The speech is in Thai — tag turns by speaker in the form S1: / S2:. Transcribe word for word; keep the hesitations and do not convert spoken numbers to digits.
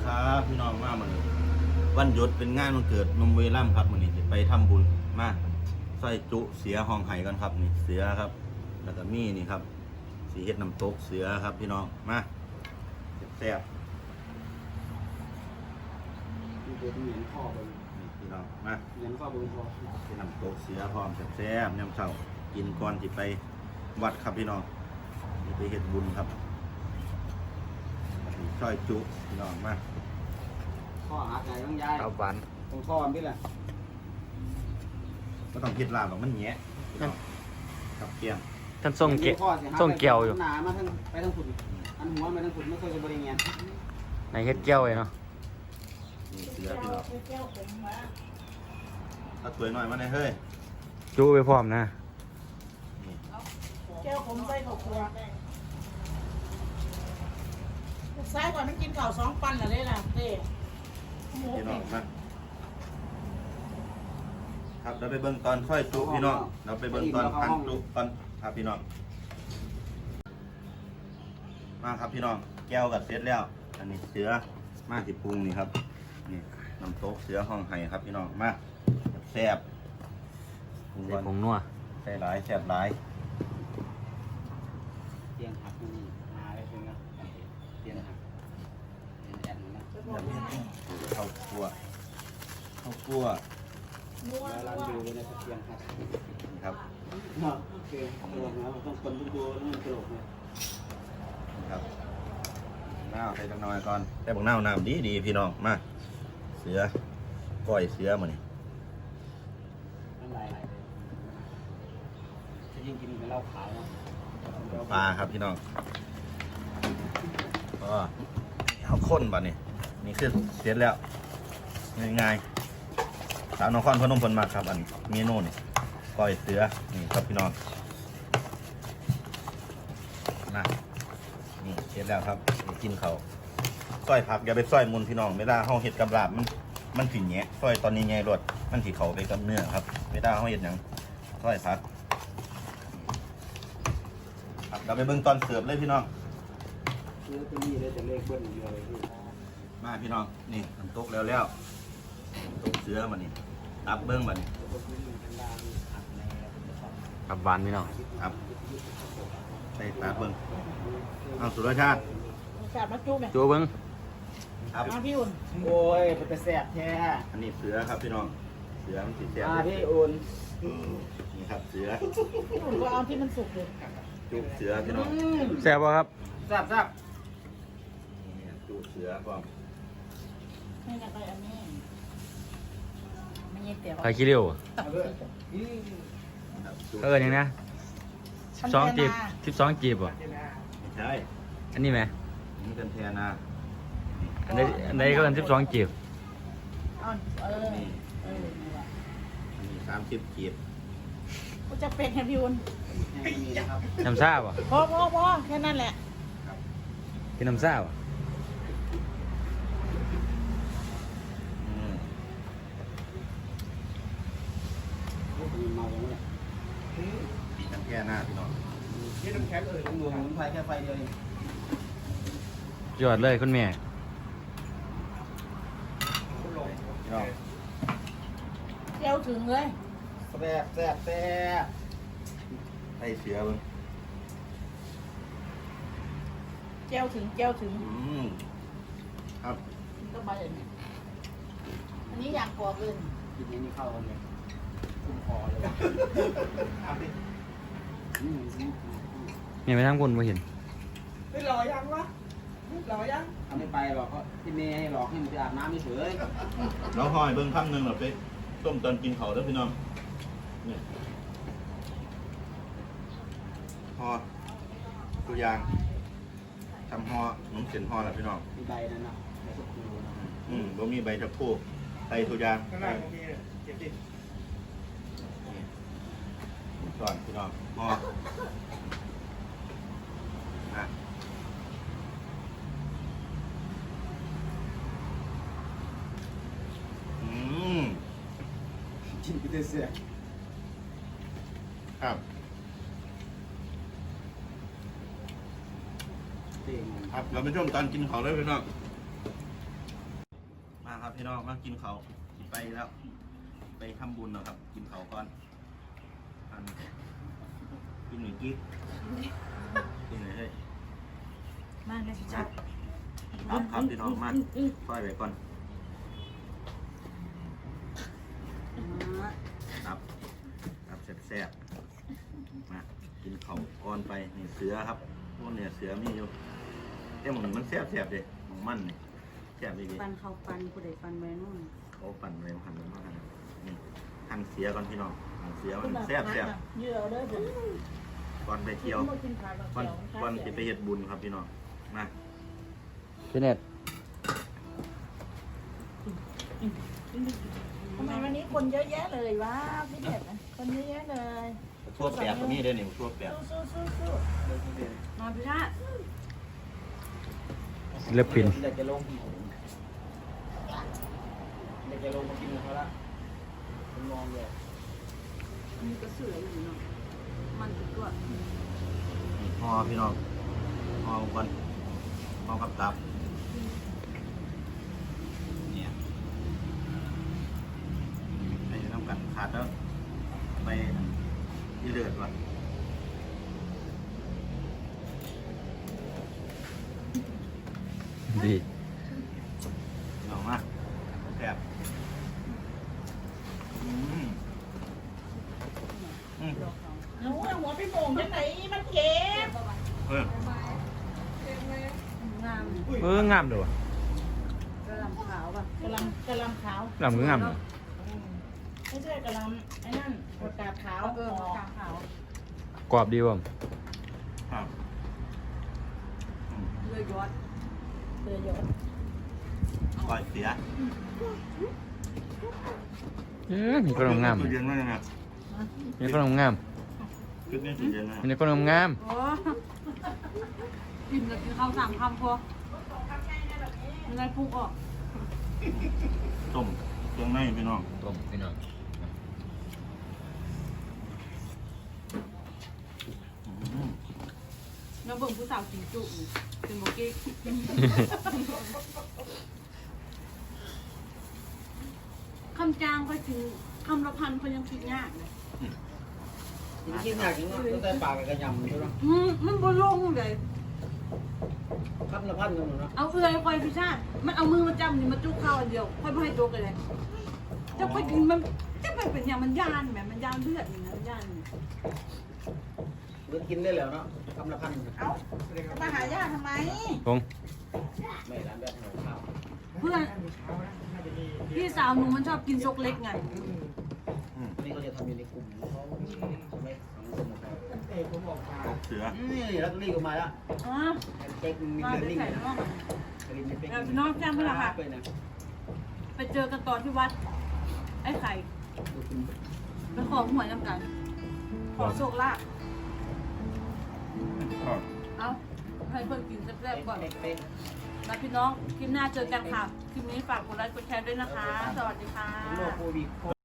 S1: ครับพี่น้องมาเหมือนวันหยุดเป็นงานวันเกิดนมเวล่ำครับวันนี้จะไปทำบุญมาใส่จุเสียห้องไห้กันครับนี่เสือครับแล้วก็มีนี่ครับสีเฮ็ดน้ำตกเสือครับพี่น้องมาแซ่บ
S2: มีเป็นเหรียญข้อบน
S1: ๆพี่น้องมา
S2: เหรียญข้อบนคอ
S1: เป็นน้ำตกเสือพร้อมแซ่บๆยำเช้ากินก่อนที่ไปวัดครับพี่น้องนี่ไปเฮ็ดบุญครับช่อยจุพี่น้องมา
S2: ข้อหาใจต้องย้าย
S3: เอาหวาน
S2: ตรงข้อมันพี่แหละ
S1: ก็ต้องคิดลาบหรอกมันแหยะพี่น้องกับเกียง
S3: ท่านทรงเกะทรงเกี่ยวอยู่
S2: หนามาทั้งไปทั้งฝุ่นอันหัวไปทั้งฝุ่นไม่เคยจะบริเงียน
S3: ในเฮ็ดเกี่ยวเลยเนาะ
S1: นี่เสือพี่น้องเอาสวยหน่อยมาหน่อยเฮ้ย
S3: จูไปพร้อมนะ
S1: นี่
S4: แก้วผมใส่ข้าวคั่วซ้ายก่อนมันกินข้าวสองปันอะไรล่ะเต้หมู
S1: พี่น้อ
S4: เป็
S1: ง
S4: ด
S1: มาครับเราไปเบิ่งตอนค่อยจุพี่น้องเราไปเบิ่งตอนพันจุตอนครับพี่น้องมาครับพี่น้องแก้วกับเสร็จแล้วอันนี้เสือมาที่ปรุงนี่ครับนี่น้ำโต๊ะเสือห้องไห้ครับพี่น้องมาแซ่บปรุง
S3: ใส่
S1: ก่อน
S3: ผงนัว
S1: ใส่หลายแซ่บหลาย
S2: เตียงหักนี่มาเลยเป็นไงเตียงหักเตียงแอนนะ
S1: ข้าวคั่วข้าวคั่ว
S4: นัว
S2: แล้ว
S4: นั
S2: ร้าน
S4: ว
S2: ดูเลยนะเตียงหัก
S1: นี่ครับ
S2: โอเคตลกนะต้องคนทุกตัวต้องตลกเลย
S1: นี่ครับน้าวใส่จังหน่อยก่อนแต่บักน้าวน้ำดีดีพี่น้องมาเสือก้อยเสือมานี่
S2: น้ำลายจะยิ่งกินเป็นเหล้าขาวเนาะ
S1: ปลาครับพี่น้องก็เอาข้นบ่นี่นี่คือเสร็จแล้วง่ายๆสาวนครพนมเพิ่นมาครับอันเมนูนี่ก้อยเสือนี่ครับพี่น้องนะนี่เสร็จแล้วครับนี่กินเขาวซอยผักอย่าไปซอยมุนพี่น้องเวลาเฮาเฮ็ดกับลาบมันมันสิแหยะซอยตอนนี้ไงรสมันสิเข้าไปกับเนื้อครับเวลาเฮาเฮ็ดหยังซอยผักครับเราไปเบิ่งตอนเสิร์ฟเลยพี่น้อง
S2: เนื้อตัวนี้เลยจะเลขเบิ้ลเยอะเลยพี่
S1: มาพี่น้องนี่น้ำตกแล้วแล้วน้ำตกเสือมานี่ตับเบิ้งมานี่
S3: กับหวานพี่น้อง
S1: ครับใส่ตับเบิ้งเอาสุรชาติ
S4: แซ่บมาจุ๊บไหม
S3: จูเบิ้ง
S1: ครับ
S4: มาพี่อุ่น
S2: โอ้ยเป็นแต่แสบแท้
S1: อันนี้เสือครับพี่น้องเสือมันสีแซ่บ
S2: มาพี่อุ่น
S1: นี่ครับเสือ
S4: พี่อุ่นก็เอาที่มันสุกเลย
S1: จุกเสือพี่น้อง
S3: แซ่บป่ะครับ
S2: แซ่บแซ่บ
S1: นี่จุกเสือก่อน
S4: ไม่อยากได้อันนี้ไม่ใช่เตี๋ยว
S3: ไข่ขี้เร็ว
S4: ตับสิ
S1: ครับจุก
S3: เอออย่างนะสิบสองจีบสิบสองจีบป่ะ
S1: ไม่ใช่
S3: อันนี้ไหม
S1: อันนี่กันแทนนะ
S3: อันใดอันใดก็เป็นสิบสองจีบ
S4: เอาเออเออนี่แหละ
S1: อันนี้สามสิบกีบ
S4: กูจะเป็นให้พี่อุ่น
S2: นี่นะครับ
S3: น้ำซ่าป่ะ
S4: พอพอพอแค่นั้นแหละ
S3: กินน้ำซ่าป่ะ
S1: อืม
S2: มีเมาอย่างนี้
S1: ปีกันแค่หน้าพี่น้อง
S2: นี่น้ำแข็งเลยผมดูสมุนไพรแค่ไฟเดียวเอง
S3: ยอดเลยคุณแม่
S1: พี่น้อง
S4: เจียวถึงเลย
S2: แซ่บแซ่บแซ่บ
S1: ใส่เสือเบิ้ง
S4: เจียวถึงเจียวถึง
S1: อืมครับ
S4: ก็มาเลยเนี่ยอันนี้อย่างกว่าเกิน
S2: กินนี้เข้ากันเลยคุ้มคอเลยเอาดิอืมอืมอืม
S3: แม่ไปทางคุณมาเห็น
S4: ไม่หล่อยังวะหล่อยัง
S2: ทำไม่ไปหรอกเพราะที่เมย์ให้หลอกให้มันไปอาบน้ำไม่เฉย
S1: เราหอยเบิ้งคำหนึ่งแบบไปต้มตอนกินเขาเด้อพี่น้องนี่ห่อตัวอย่างทำห่อหนุ่มเส้นห่อแล้วพี่น้อง
S2: มีใบนั่นนะใบสุกูนะ
S1: อืมบ่มีใบชะพูใส่ตัวอย่าง
S2: ข้างล่างมีเก็บดิ
S1: นี่ก่อนพี่น้องห่อนะอืม
S2: กินไปเสีย
S1: ครับ
S2: เต็ม
S1: ครับเราไปชมตอนกินเขาเลยพี่น้องพี่น้องมากินเขาวสิไปแล้ว ไปทำบุญเนาะครับ กินเขาวก่อนอันกินหนึ่งกิ๊กกินไหนเฮ้ย
S4: มาเลยสิจ้า
S1: ครับครับพี่น้องมาซอยไว้ก่อนครับครับแซ่บๆมากินเขาวก่อนไปนี่เสือครับพวกเนี่ยเสือมีอยู่แต่หมึงมันแซ่บๆเลยหมึงมันนี่แซ่บดี
S4: ปันเขาปันกูได้ปันไว้นู่น
S1: ๆเขาปั่นอะไรมาหั่นมาหั่นนี่หั่นเสือก่อนพี่น้องหั่นเสือมันแซ่บแซ่บ
S4: เยอะเลยผม
S1: ก่อนไปเที่ยว
S4: กินผัก
S1: ก่อนก่อนจะไปเฮ็ดบุญครับพี่น้องมา
S3: พี่เน็ต
S4: ทำไมวันนี้คนเยอะแยะเลยวะพี่เด็ดคนเยอะแยะเลย
S1: ทั่วแปดตัวนี้เด้อนี่ทั่วแปด
S4: สู้สู้สู้มาพี่ชาติ
S3: ศิลปิน
S2: เด็กจะลงเด็กจะลงมากินกับเขาละมันมองเลย
S4: มีกระสืออยู่เนาะมันติดตัว
S1: ห่อพี่น้องห่อก่อนห่อกับตับเนี่ยไปน้ำกันขาดแล้วไปยี่เดือดว่ะ
S3: ดี
S1: เอามาแซ่บอืมอืม
S4: หนูหัวพี่โป่งจังไหนมันเก็บ
S1: เออง
S4: าม
S3: เอองามเด้อก
S4: ระลำขาวป่ะกระลำกระลำขาว
S3: งามก็งามเด้อ
S4: ไม่ใช่กระลำไอ้นั่นผักกาดขาวเออผักกาดขาว
S3: กรอบดีบ่
S1: ครับอืม
S4: เรือยอดเรือยอด
S1: ก่อยเสีย
S3: เออนี่ก็งาม
S1: จุดเย็นมากเลยนะ
S3: นี่ก็งาม
S1: จุดนี้จุดเย็นนะ
S3: นี่ก็งาม
S4: โอ้กินกับกินข้าวสามคำพอมันได้พุกออก
S1: ต้มเครื่องในพี่น้อง
S3: ต้มพี่น้อง
S1: อืม
S4: แล้วเบิ่งผู้สาวกินจุนี่เป็นโมกี้คำจางก็ถึงคำละพันเขายังคิดยากเลย
S2: กินยากจริงเนาะตั้งแต่ปากกับกระยำใช่ไหม
S4: อืมมันบ่ลงเลย
S2: พันละพันกันหมดเนาะ
S4: เอาเอื้อยคอยพิชาติมันเอามือมาจับนี่มาจุกข้าวอันเดียวค่อยไม่ให้จุกเลยจะไปกินมันจะไปเป็นอย่างมันย่านแหมมันย่านเลือดนี่นะย่านนี่
S2: เลือกินได้แล้วเนาะคำละพัน
S4: เอ้ามาหาย่าทำไม
S3: ลง
S2: ไม่ร้านแบบหัวข้าว
S4: เพื่อนพี่สาวหนูมันชอบกินซกเล็กไง
S1: อืม
S2: นี่เขาจะทำอยู่ในกลุ่มเขาไม่สังคมของเขา
S1: ตกเสือ
S2: นี่แล้วตัวนี้ก็มาแล้ว
S4: อ๋อ
S2: เจ๊กมี
S4: มา
S2: เรื่อง
S4: ไป
S2: นิ่ง
S4: ใส่
S2: นะ
S4: น้อง
S2: กระลิ่นเป็น
S4: เราน้องแจ้งเพื่อนค่ะ
S2: ไปนะ
S4: ไปเจอกันตอนที่วัด ไอ้ไข่
S2: ดูคุณ
S4: ไปขอหวยน้ำกัน ขอโชคลาภ
S1: ครับ
S4: เอาให้เพื่อนกินแซ่บๆก่อน
S2: เป๊ะ
S4: แล้วพี่น้อง คลิปหน้าเจอกันค่ะ คลิปนี้ฝากกดไลค์กดแชร์ด้วยนะคะ สวัสดีค่ะ
S2: โลโควิด